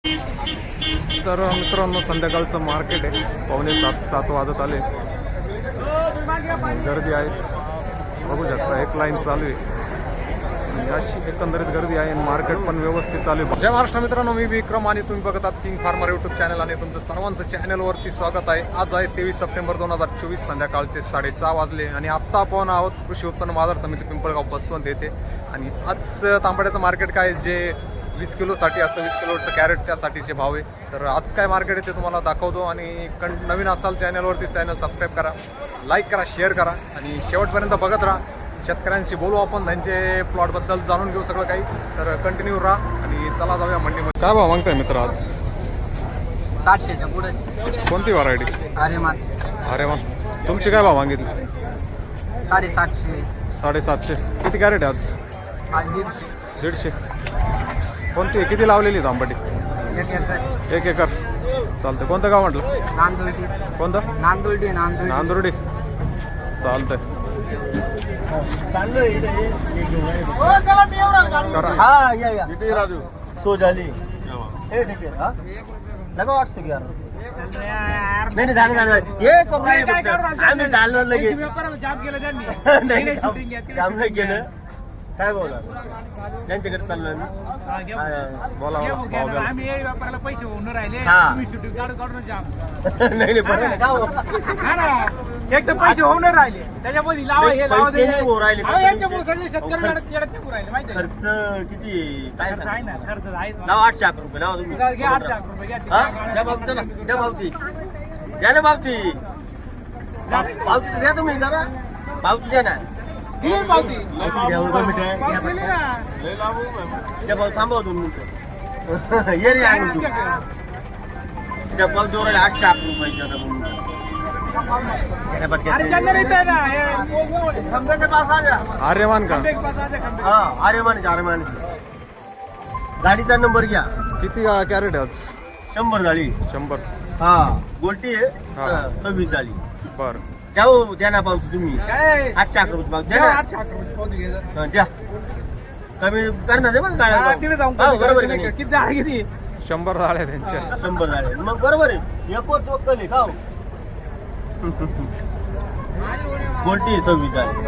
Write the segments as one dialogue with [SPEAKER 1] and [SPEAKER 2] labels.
[SPEAKER 1] तर मित्रांनो संध्याकाळचं मार्केट आहे, 6:45-7 वाजत आले. गर्दी आहेच, बघू शकता एक लाईन चालू आहे. अशी एकंदरीत गर्दी आहे आणि मार्केट पण व्यवस्थित चालू आहे. जय महाराष्ट्र मित्रांनो, मी विक्रम आणि तुम्ही बघत आहात किंग फार्मर यूट्यूब चॅनल आणि तुमचं सर्वांचं चॅनलवरती स्वागत आहे. आज आहे 23 सप्टेंबर 2024, संध्याकाळचे 6:30 वाजले आणि आत्ता आपण आहोत कृषी उत्पन्न बाजार समिती पिंपळगाव बसवंत येथे. आणि आज तांबड्याचं मार्केट काय जे 20 किलोसाठी असतं, 20 किलोचं कॅरेट त्यासाठीचे भाव आहे. तर आज काय मार्केट आहे ते तुम्हाला दाखवतो. आणि नवीन असाल चॅनलवरती चॅनल सबस्क्राईब करा, लाईक करा, शेअर करा आणि शेवटपर्यंत बघत राहा. शेतकऱ्यांशी बोलू आपण, त्यांचे प्लॉटबद्दल जाणून घेऊ सगळं काही. तर कंटिन्यू राहा आणि चला जाऊया मंडीमध्ये. काय भाव मागताय मित्र आज?
[SPEAKER 2] 700च्या पुढे.
[SPEAKER 1] कोणती व्हरायटी? अरे वा. तुमची काय भाव मागितली?
[SPEAKER 2] 750.
[SPEAKER 1] 750. किती कॅरेट आहे आज? 150. कोणती किती लावलेली तांबटी? 1 एकर. चालतंय. कोणतं गाव म्हटलं?
[SPEAKER 2] नांदुर्डी.
[SPEAKER 1] कोणतं? नांदुर्डी. चालतंय. किती राजू?
[SPEAKER 3] सो झाली हे ठीक आहे. हा लगा 800 घ्या. नाही झालं हे करून आम्ही झालं लगेच काम नाही केलं. काय बोला त्यांच्याकडे चाललो आम्ही.
[SPEAKER 1] बोला
[SPEAKER 4] आम्ही व्यापाराला पैसे होऊन राहिले.
[SPEAKER 3] नाही बरं का हो?
[SPEAKER 4] एक तर पैसे होऊन राहिले, त्याच्यामध्ये लावा हे लावा
[SPEAKER 3] पैसे नाही होऊ राहिले.
[SPEAKER 4] यांच्यामुळे सगळे शेतकरी येडत नाही राहिले माहिती आहे.
[SPEAKER 3] खर्च किती काय
[SPEAKER 4] खर्च आहे ना, खर्च आहे.
[SPEAKER 3] लावा 800 रुपये लावा तुम्ही.
[SPEAKER 4] घ्या 800 रुपये घ्या.
[SPEAKER 3] द्या बाबती, चला द्या बाबती, द्या ना बाबती. बाबती द्या तुम्ही जरा, बाबती द्या ना.
[SPEAKER 4] दिली ना पावती.
[SPEAKER 3] द्या हो, 2 मिनिटं.
[SPEAKER 4] पावती दिली ना.
[SPEAKER 3] त्या भाऊ थांबव 2 मिनिटं. ये रे आणून तू. त्या भाऊ जोराला 800 रुपये.
[SPEAKER 4] अरे चंदन इथं आहे ना, हे खंबे के पास आ जा.
[SPEAKER 1] आर्यमान का?
[SPEAKER 4] खंबे के पास आ जा. खंबे.
[SPEAKER 3] हा आर्यमान गाडीचा नंबर घ्या.
[SPEAKER 1] किती कॅरेट आहे आज?
[SPEAKER 3] 100 झाली.
[SPEAKER 1] 100.
[SPEAKER 3] हा गोल्टी आहे.
[SPEAKER 1] हा.
[SPEAKER 3] 26 झाली.
[SPEAKER 1] बर.
[SPEAKER 3] जाऊ द्या ना पावती तुम्ही.
[SPEAKER 4] काय
[SPEAKER 3] 800 रुपये पावती द्या
[SPEAKER 4] द्या
[SPEAKER 3] ना.
[SPEAKER 4] 800 रुपये पावती घे जा.
[SPEAKER 3] हा, द्या कमी करणार आहे बरं
[SPEAKER 4] हा,
[SPEAKER 3] काय.
[SPEAKER 4] तिकडे जाऊन
[SPEAKER 3] हा, बरोबर आहे
[SPEAKER 4] नाही
[SPEAKER 3] का
[SPEAKER 4] का? किती झाले किती?
[SPEAKER 1] 100 झाले त्यांच्या.
[SPEAKER 3] 100 झाले मग बरोबर आहे. एकच वक्कल आहे का हो? गोल्टी 26 झाली.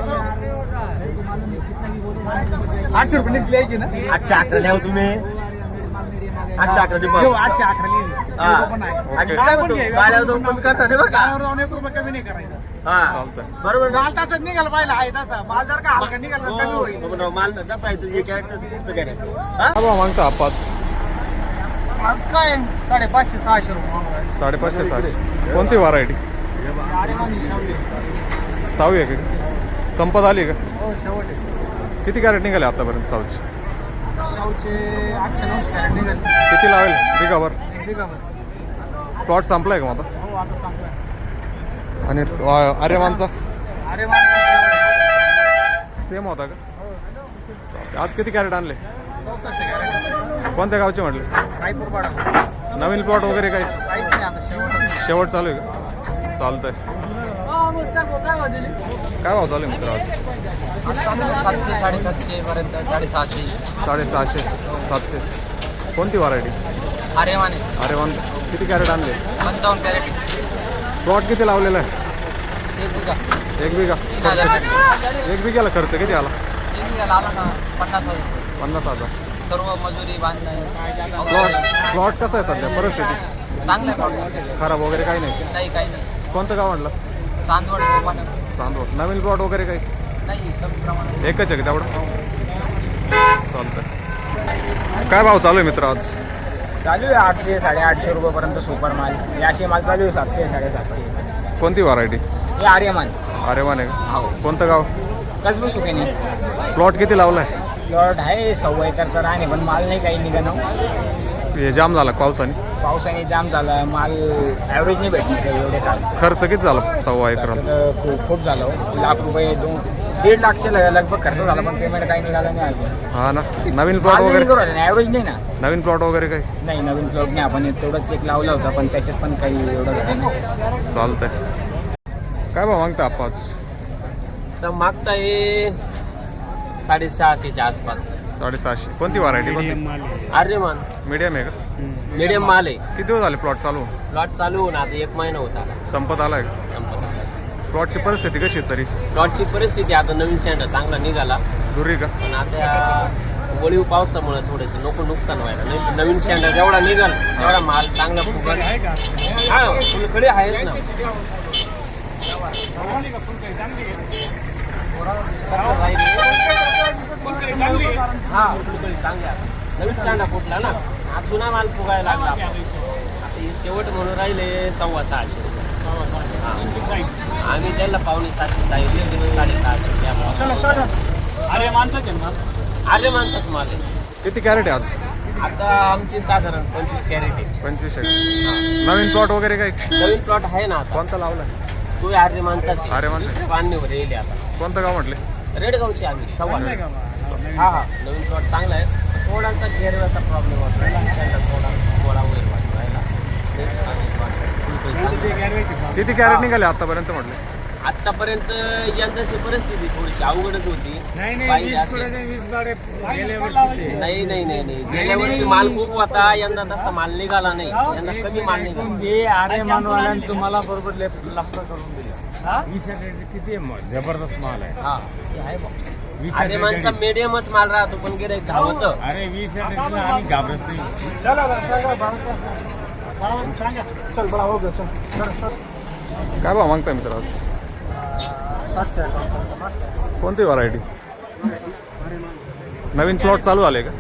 [SPEAKER 4] 800 रुपये नीच लिहायची ना.
[SPEAKER 3] 811 लिहा तुम्ही. 811 दे
[SPEAKER 4] घेऊ,
[SPEAKER 3] बघ.
[SPEAKER 4] 811 लिहिली.
[SPEAKER 3] हा.
[SPEAKER 4] लोकं पण आहे.
[SPEAKER 3] आणि काय म्हणतो गाड्यावर जाऊन कमी करणार आहे बरं का.
[SPEAKER 4] गावावर जाऊन 1 रुपया कमी नाही करायचा.
[SPEAKER 3] हा
[SPEAKER 1] चालतंय.
[SPEAKER 3] बरोबर ना.
[SPEAKER 4] माल तसंच निघाला पाहिजे आहे तसा. माल जर का हलका निघाला तर कमी होईल.
[SPEAKER 3] हो, माल जसा आहे तुझे कॅरेक्टर तुझं कॅरेक्टर. हा
[SPEAKER 1] काय भाव मागता आपाच?
[SPEAKER 4] आज काय 550-600 रुपये.
[SPEAKER 1] 550-600. कोणती व्हरायटी?
[SPEAKER 4] अरे मानी शावली.
[SPEAKER 1] 6वी आहे का? संपत आली का?
[SPEAKER 4] हो शेवट आहे.
[SPEAKER 1] किती कॅरेट निघाले आतापर्यंत साऊची?
[SPEAKER 4] शावचे 800-900 कॅरेट निघाले.
[SPEAKER 1] किती लावेल बिगावर?
[SPEAKER 4] 1 बिघावर.
[SPEAKER 1] प्लॉट संपलाय का माझा?
[SPEAKER 4] हो आता सांगतोय.
[SPEAKER 1] आणि आर्यमानचा
[SPEAKER 4] अरे मान
[SPEAKER 1] सेम होता का? चालतंय. आज किती कॅरेट आणले?
[SPEAKER 4] 64 कॅरेट.
[SPEAKER 1] कोणत्या गावचे म्हटले?
[SPEAKER 4] रायपूर पाडा.
[SPEAKER 1] नवीन प्लॉट वगैरे काही
[SPEAKER 4] काहीच नाही आता शेवट.
[SPEAKER 1] शेवट चालू आहे का? चालतंय. काय भाव चालू आहे मित्र आज?
[SPEAKER 2] 700, 750 पर्यंत, 650.
[SPEAKER 1] 650, 700. कोणती व्हरायटी?
[SPEAKER 2] आर्यमाने
[SPEAKER 1] अरे वन. किती कॅरेट आणले?
[SPEAKER 2] 55 कॅरेट.
[SPEAKER 1] प्लॉट किती लावलेला आहे?
[SPEAKER 2] 1 बिघा.
[SPEAKER 1] 1 बिघा.
[SPEAKER 2] 3000 कॅरेट.
[SPEAKER 1] 1 बिघाला खर्च किती आला?
[SPEAKER 2] 1 बिघाला आला ना 50,000.
[SPEAKER 1] 50,000.
[SPEAKER 2] सर्व मजुरी बांधणं.
[SPEAKER 1] प्लॉट कसा आहे सध्या परिस्थिती?
[SPEAKER 2] चांगलं आहे पाऊस.
[SPEAKER 1] खराब वगैरे काही नाही?
[SPEAKER 2] काही नाही.
[SPEAKER 1] कोणतं गाव म्हटलं?
[SPEAKER 2] चांदवड पानं.
[SPEAKER 1] चांदवड. नवीन प्लॉट वगैरे काही?
[SPEAKER 2] नाही कमी प्रमाणात.
[SPEAKER 1] एकच आहे का तेवढं? चालतंय. काय भाव चालू आहे मित्र आज?
[SPEAKER 4] चालू आहे 800, 850 रुपयापर्यंत सुपर माल. याशी माल चालू आहे 700, 750.
[SPEAKER 1] कोणती व्हरायटी?
[SPEAKER 4] हे आर्यमान.
[SPEAKER 1] आर्यमान आहे का? कोणतं गाव?
[SPEAKER 4] कसं सुकेने.
[SPEAKER 1] प्लॉट किती लावलाय?
[SPEAKER 4] प्लॉट आहे 1.25 एकरचा राहणे, पण माल नाही काही निघणं.
[SPEAKER 1] हे जाम झाला पावसाने?
[SPEAKER 4] पावसाने जाम झाला. माल ॲव्हरेज नाही भेटणार एवढे तास.
[SPEAKER 1] खर्च किती झाला 1.25 एकरात?
[SPEAKER 4] खूप झालं. लाख रुपये 1.5 लाखचे लगभग खर्च झाला, पण पेमेंट काही निघालं नाही अजून.
[SPEAKER 1] हा ना. नवीन प्लॉट वगैरे?
[SPEAKER 4] ॲव्हरेज नाही ना.
[SPEAKER 1] नवीन प्लॉट वगैरे काही?
[SPEAKER 4] नाही नवीन प्लॉट नाही. आपण तेवढं चेक लावला होता, पण त्याच्यात पण काही एवढं झालं नाही.
[SPEAKER 1] चालतंय. काय भाव मागता आपाच?
[SPEAKER 2] तर मागता ये 650च्या आसपास.
[SPEAKER 1] 750. कोणती व्हरायटी कोणती?
[SPEAKER 3] आर्यमान
[SPEAKER 1] मीडियम आहे का?
[SPEAKER 3] मीडियम माल आहे.
[SPEAKER 1] किती दिवस झाले प्लॉट चालू?
[SPEAKER 3] प्लॉट चालू होऊन आता 1 महिना होता
[SPEAKER 1] संपत आलाय का?
[SPEAKER 3] संपत आला.
[SPEAKER 1] प्लॉटची परिस्थिती कशी आहे तरी?
[SPEAKER 3] प्लॉटची परिस्थिती आता नवीन शेंडा चांगला निघाला,
[SPEAKER 1] दुरी का?
[SPEAKER 3] पण आता वळीव पावसामुळे थोडंसं नको नुकसान व्हायला. नाही नवीन शेंडा जेवढा निघाल तेवढा माल चांगला फुगल. हा फुलकडे आहेच ना. हा फुलकडी चांगली आहे. नवीन शेंडा फुटला ना, हा जुना माल फुगायला लागला. आता हे शेवट म्हणून राहिले 650 रुपये. आम्ही त्याला 5.7 सांगितले, 650 त्यामुळे
[SPEAKER 2] अरे माणसाचे ना
[SPEAKER 3] आले माणसाच माल आहे.
[SPEAKER 1] किती कॅरेट आहे आज?
[SPEAKER 3] आता आमची साधारण 25 कॅरेट आहे.
[SPEAKER 1] 25 आहे. नवीन प्लॉट वगैरे काही?
[SPEAKER 3] नवीन प्लॉट आहे ना आता.
[SPEAKER 1] कोणता लावलाय?
[SPEAKER 3] तो आर्य माणसाचे.
[SPEAKER 1] आर्यमान.
[SPEAKER 3] दुसऱ्या पाणीवर येईल आता.
[SPEAKER 1] कोणतं गाव म्हटले?
[SPEAKER 3] रेडगावचे आम्ही सव्वा. हा हा नवीन प्लॉट चांगला आहे. थोडासा घेरव्याचा प्रॉब्लेम होता. शेंडा थोडा गोळा वगैरे वाटतो राहिला.
[SPEAKER 1] किती कॅरेट निघाले आतापर्यंत म्हटले?
[SPEAKER 3] आतापर्यंत यंदाची परिस्थिती थोडीशी अवघडच होती. पाहिजे अशी. नाही नाही नाही नाही गेल्या वर्षी माल खूप होता, यंदा तसा माल निघाला नाही. यंदा कमी माल निघाला.
[SPEAKER 2] अरे मानवाल्यांनी तुम्हाला बरोबर लफडं करून दिलं.
[SPEAKER 4] किती जबरदस्त माल आहे.
[SPEAKER 3] हा ते आहे बा. अरे माणसा मीडियमच माल राहतो, पण गिऱ्हाईक धावत.
[SPEAKER 4] अरे 20 आम्ही घाबरत नाही.
[SPEAKER 1] काय भाव मागताय मित्र आज? कोणती व्हरायटी? नवीन प्लॉट चालू झाले का?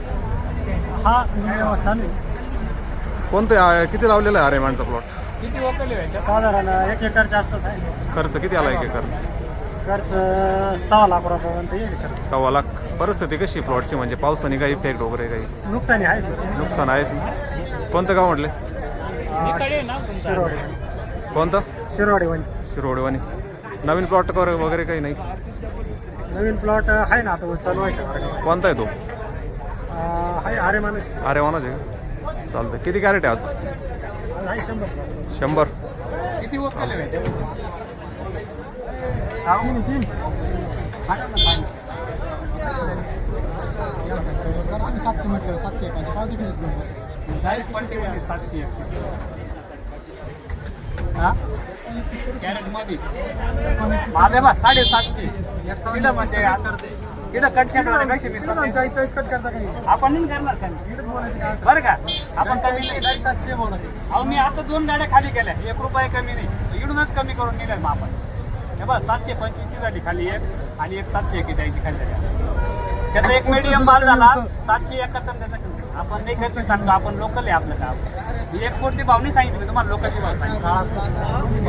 [SPEAKER 1] कोणते किती लावलेला आहे आर्यमानचा प्लॉट?
[SPEAKER 2] किती वकली व्हायच्या?
[SPEAKER 5] साधारण 1 एकरच्या आसपास आहे.
[SPEAKER 1] खर्च किती आला 1 एकर?
[SPEAKER 5] खर्च 6 लाख रुपयापर्यंत येईल सर.
[SPEAKER 1] 1.25 लाख. परिस्थिती कशी प्लॉटची? म्हणजे पावसाने काही इफेक्ट वगैरे काही
[SPEAKER 5] नुकसानी आहेच
[SPEAKER 1] नुकसान आहेच ना? कोणतं गाव म्हटले?
[SPEAKER 5] शिरोडी.
[SPEAKER 1] कोणतं?
[SPEAKER 5] शिरोडी वणी.
[SPEAKER 1] शिरोडवानी. नवीन प्लॉट वगैरे काही नाही?
[SPEAKER 5] नवीन प्लॉट आहे ना आता चालू आहे.
[SPEAKER 1] कोणता आहे तो?
[SPEAKER 5] आहे आर्यमानच
[SPEAKER 1] आर्यमानच आहे का? चालतं. किती कॅरेट आहे आज?
[SPEAKER 5] आहे 100.
[SPEAKER 1] 100.
[SPEAKER 2] किती वकली व्हायच्या? Direct quantity 731. हा कॅरेट मध्ये माझे बा 750. तिला म्हणजे तिथं कट पेक्षा मी
[SPEAKER 5] 40 कट करता काही
[SPEAKER 2] आपण नाही करणार कमी बरं का? आपण कमी नाही.
[SPEAKER 5] 700 म्हणत.
[SPEAKER 2] अहो मी आता 2 गाड्या खाली केल्या, 1 रुपया कमी नाही. इकडूनच कमी करून निघाल मग आपण. हे बघ 725 झाली खाली एक, आणि एक 741 खाली झाली. त्याचा एक मीडियम माल झाला 771. त्याचा आपण नाही खर्च सांगतो, आपण लोकल आहे आपलं काम. ही एक्सपोर्टची भाव नाही सांगितली मी तुम्हाला, लोकलची भाव सांगितली.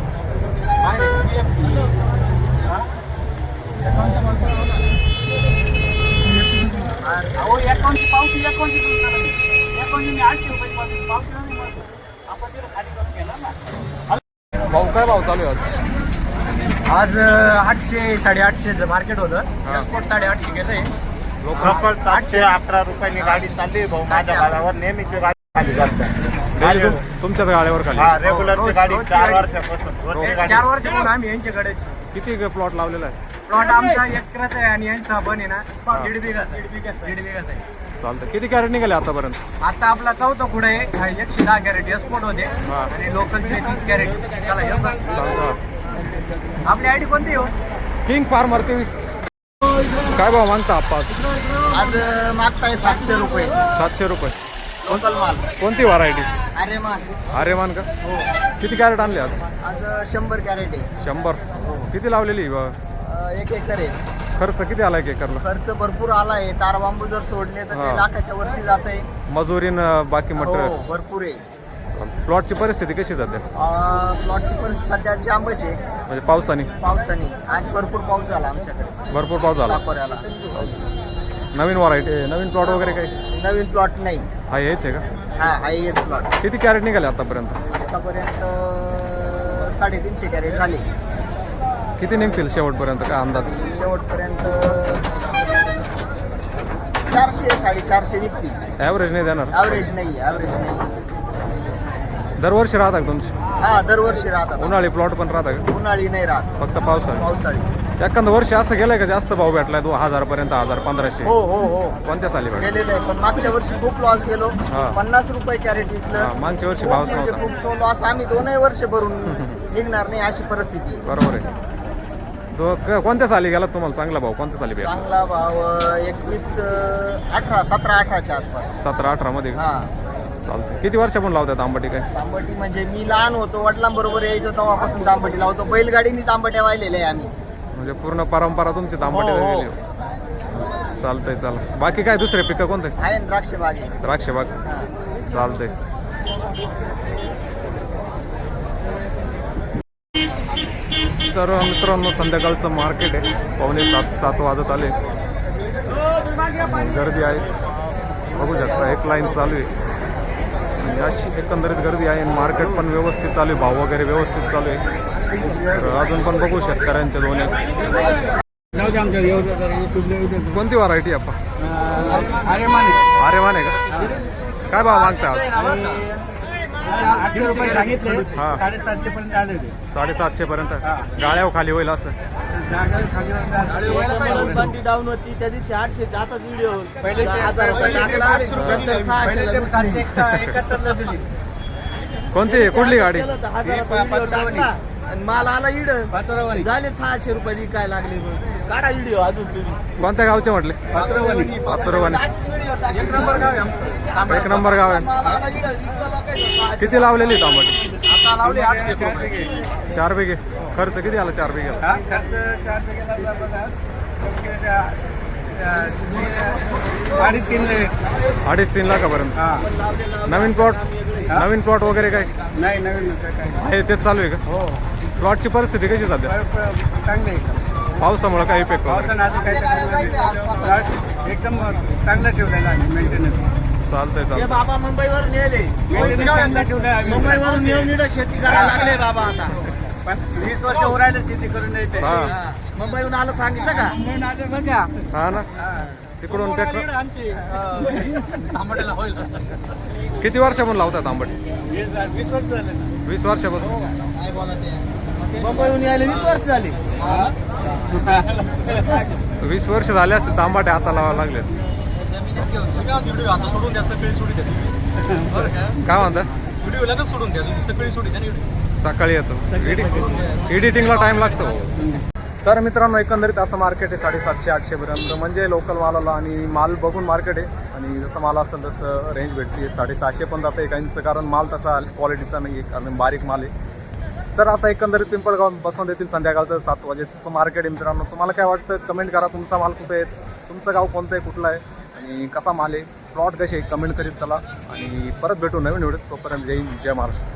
[SPEAKER 2] अहो अकाउंटची पावती मी 800 रुपये पावती नाही म्हणतो. आपण तिला खाली करून घेणार ना.
[SPEAKER 1] भाऊ काय भाव चालू आहे आज?
[SPEAKER 5] आज 800 850 मार्केट होतं. एक्सपोर्ट 850 घेतंय.
[SPEAKER 1] लोकल
[SPEAKER 5] 811 रुपयांनी गाडी चालली भाऊ. माझ्या गाड्यावर नेहमीची गाडी खाली करतो.
[SPEAKER 1] तुमच्याच गाड्यावर खाली?
[SPEAKER 5] रेग्युलरची गाडी 4 वर्षापासून. 4 वर्षापासून आम्ही यांच्याकडेच.
[SPEAKER 1] किती प्लॉट लावलेला आहे?
[SPEAKER 5] प्लॉट आमचा 1 एकराचा आहे आणि यांचा पण आहे ना 1.5 बिघाचा आहे.
[SPEAKER 1] चालतं. किती कॅरेट निघाले आतापर्यंत?
[SPEAKER 5] आता आपला चौथा पुढे आहे. 110 कॅरेट एक्सपोर्ट होते
[SPEAKER 1] हा.
[SPEAKER 5] आणि लोकलचे 30 कॅरेट. त्याला
[SPEAKER 1] चालतं.
[SPEAKER 5] आपली आयडी कोणती हो?
[SPEAKER 1] King farmer 23. काय भाव मागता आपण?
[SPEAKER 3] आज मागताय 700 रुपये
[SPEAKER 1] 700 रुपये.
[SPEAKER 3] लोकल माल.
[SPEAKER 1] कोणती व्हरायटी?
[SPEAKER 3] आर्यमान.
[SPEAKER 1] आर्यमान का? किती कॅरेट आणले आज?
[SPEAKER 3] आज 100 कॅरेट आहे.
[SPEAKER 1] 100. किती लावलेली?
[SPEAKER 3] 1 एकर आहे.
[SPEAKER 1] खर्च किती आला 1 एकरला?
[SPEAKER 3] खर्च भरपूर आला आहे. तार बांबू जर सोडले तर
[SPEAKER 1] हा.
[SPEAKER 3] ते लाखाच्या वरती जात आहे.
[SPEAKER 1] मजुरीन बाकी मटेरियल.
[SPEAKER 3] भरपूर आहे.
[SPEAKER 1] प्लॉटची परिस्थिती कशी सध्या?
[SPEAKER 3] प्लॉटची परिस्थिती सध्या जांबच आहे.
[SPEAKER 1] म्हणजे पावसाने?
[SPEAKER 3] पावसाने आज भरपूर पाऊस झाला आमच्याकडे.
[SPEAKER 1] भरपूर पाऊस झाला.
[SPEAKER 3] साकोऱ्याला.
[SPEAKER 1] नवीन व्हरायटी नवीन प्लॉट वगैरे काही?
[SPEAKER 3] नवीन प्लॉट नाही.
[SPEAKER 1] हा हेच आहे का?
[SPEAKER 3] हा हेच प्लॉट.
[SPEAKER 1] किती कॅरेट निघाले आतापर्यंत?
[SPEAKER 3] आतापर्यंत 350 कॅरेट झाले.
[SPEAKER 1] किती निघतील शेवटपर्यंत काय अंदाज?
[SPEAKER 3] शेवटपर्यंत 400 450 निघतील.
[SPEAKER 1] ॲव्हरेज नाही देणार?
[SPEAKER 3] ॲव्हरेज नाही.
[SPEAKER 1] दरवर्षी राहता का तुमची?
[SPEAKER 3] हा दरवर्षी राहतात.
[SPEAKER 1] उन्हाळी प्लॉट पण राहता का?
[SPEAKER 3] उन्हाळी नाही राहत,
[SPEAKER 1] फक्त पावसाळी?
[SPEAKER 3] पावसाळी.
[SPEAKER 1] एखादं वर्ष असं गेलंय का जास्त भाव भेटलाय 2000 पर्यंत 1500?
[SPEAKER 3] हो हो हो
[SPEAKER 1] कोणत्या साली भेटला?
[SPEAKER 3] गेलेलं आहे, पण मागच्या वर्षी खूप लॉस गेलो.
[SPEAKER 1] हा.
[SPEAKER 3] 50 रुपये कॅरेट विकलं.
[SPEAKER 1] हा, मागच्या वर्षी भावच
[SPEAKER 3] म्हणजे
[SPEAKER 1] नव्हता.
[SPEAKER 3] खूप तो लॉस आम्ही 2 वर्ष भरून निघणार नाही अशी परिस्थिती.
[SPEAKER 1] बरोबर आहे. तो कोणत्या साली गेला तुम्हाला चांगला भाव? कोणत्या साली भेटला?
[SPEAKER 3] चांगला भाव 17-18च्या आसपास.
[SPEAKER 1] 17-18 मध्ये का?
[SPEAKER 3] हा.
[SPEAKER 1] चालतंय. किती वर्षापासून लावतात आंबाटी काय?
[SPEAKER 3] तांबटी म्हणजे मी लहान होतो, वडिलांबरोबर यायचो तेव्हापासून तांबटी लावतो. बैलगाडीने तांबट्या वाहिलेल्या आहे आम्ही.
[SPEAKER 1] म्हणजे पूर्ण परंपरा तुमची तांबटी
[SPEAKER 3] हो, हो.
[SPEAKER 1] गेली. चालतंय चाल. बाकी काय दुसरे पिकं कोणते?
[SPEAKER 3] आहे ना द्राक्ष बाग आहे.
[SPEAKER 1] द्राक्ष बाग.
[SPEAKER 3] हा.
[SPEAKER 1] चालतंय. तर मित्रांनो संध्याकाळचं मार्केट आहे. 6:45-7 वाजत आले. गर्दी आहेच, बघू शकता. एक लाईन चालू आहे आणि अशी एकंदरीत गर्दी आहे. मार्केट पण व्यवस्थित चालू आहे, भाव वगैरे व्यवस्थित चालू आहे. तर अजून पण बघू शेतकऱ्यांच्या दोन आहेत. कोणती व्हरायटी आपण?
[SPEAKER 5] अरे माने
[SPEAKER 1] अरे माने का? काय भाव मागता आज?
[SPEAKER 5] 800 रुपये सांगितले,
[SPEAKER 1] हा.
[SPEAKER 5] 750 पर्यंत आले होते.
[SPEAKER 1] 750 पर्यंत गाळ्यावर खाली होईल असं.
[SPEAKER 3] बंडी डाऊन होती त्या दिवशी 800 आताच व्हिडिओ
[SPEAKER 5] पहिले ते
[SPEAKER 3] 1000 टाकला, नंतर 600 ला घुसली.
[SPEAKER 5] 771 ला दिली.
[SPEAKER 1] कोणती कुठली गाडी?
[SPEAKER 3] केलं होतं, 1000चा व्हिडिओ टाकला आणि माल आला इड
[SPEAKER 5] पाचोरावाली.
[SPEAKER 3] झाले 600 रुपये काय लागले. मग काढा व्हिडिओ अजून तुम्ही.
[SPEAKER 1] कोणत्या गावचे म्हटले?
[SPEAKER 5] पाचोरावाली.
[SPEAKER 1] पाचोरवानी.
[SPEAKER 5] एक नंबर गाव आहे आमचं.
[SPEAKER 1] एक नंबर गाव आहे.
[SPEAKER 3] माल आला इड, इतकं लोकांचं.
[SPEAKER 1] किती लावलेली तांबटी?
[SPEAKER 5] आता लावले 800 रुपये.
[SPEAKER 1] 4 बिघे. खर्च किती आला 4 बिघेला?
[SPEAKER 5] हा, खर्च 4 रुपये बघा. 3.5
[SPEAKER 1] 2.5-3 लाखापर्यंत.
[SPEAKER 5] हा.
[SPEAKER 1] नवीन प्लॉट वगैरे काय
[SPEAKER 5] नाही नवीन काय
[SPEAKER 1] आहे तेच चालू आहे का?
[SPEAKER 5] हो
[SPEAKER 1] प्लॉटची परिस्थिती कशी सध्या?
[SPEAKER 5] चांगले आहे.
[SPEAKER 1] पावसामुळे काय इफेक्ट वगैरे?
[SPEAKER 5] पावसानं असं काही एकदम चांगलं ठेवलेलं आहे मेंटेनन्स.
[SPEAKER 1] चालतंय
[SPEAKER 3] हे
[SPEAKER 1] चालतंय.
[SPEAKER 3] बाबा मुंबईवरून नेले.
[SPEAKER 5] मेंटेनन्स चांगलं ठेवलं आहे.
[SPEAKER 3] मुंबईवरून येऊन इकडं शेती करायला लागले बाबा आता.
[SPEAKER 5] पण 20 वर्ष उरायला शेती करून येते.
[SPEAKER 1] हा.
[SPEAKER 3] हा. मुंबईहून आलं सांगितलं का?
[SPEAKER 5] मुंबईहून आले बघा.
[SPEAKER 1] हा ना. तिकडून ट्रॅक्टर. किती वर्षापासून लावतात आंबट?
[SPEAKER 5] 20 वर्ष झाले ना.
[SPEAKER 1] 20 वर्षापासून.
[SPEAKER 3] मुंबईहून यायला 20 वर्ष झाली.
[SPEAKER 1] 20 वर्ष झाले असते तांबाटे आता लावायला लागलेत. काय म्हणता? सकाळी येतो. एडिटिंगला टाइम लागतो. तर मित्रांनो एकंदरीत असं मार्केट आहे 750-800 पर्यंत. म्हणजे लोकल मालाला आणि माल बघून मार्केट आहे. आणि जसं माल असेल तसं रेंज भेटते. 650 पण जातं काहींचं, कारण माल तसा क्वालिटीचा नाही आहे, कारण बारीक माल आहे. तर असं एकंदरीत पिंपळगाव बसवून देतील संध्याकाळचं 7 वाजेचं मार्केट आहे. मित्रांनो तुम्हाला काय वाटतं कमेंट करा. तुमचा माल कुठे आहे, तुमचं गाव कोणतं आहे, कुठलं आहे आणि कसा माल आहे, प्लॉट कसे आहे, कमेंट करीत चला. आणि परत भेटू नवीन व्हिडिओ. तोपर्यंत जय हिंद, जय महाराष्ट्र.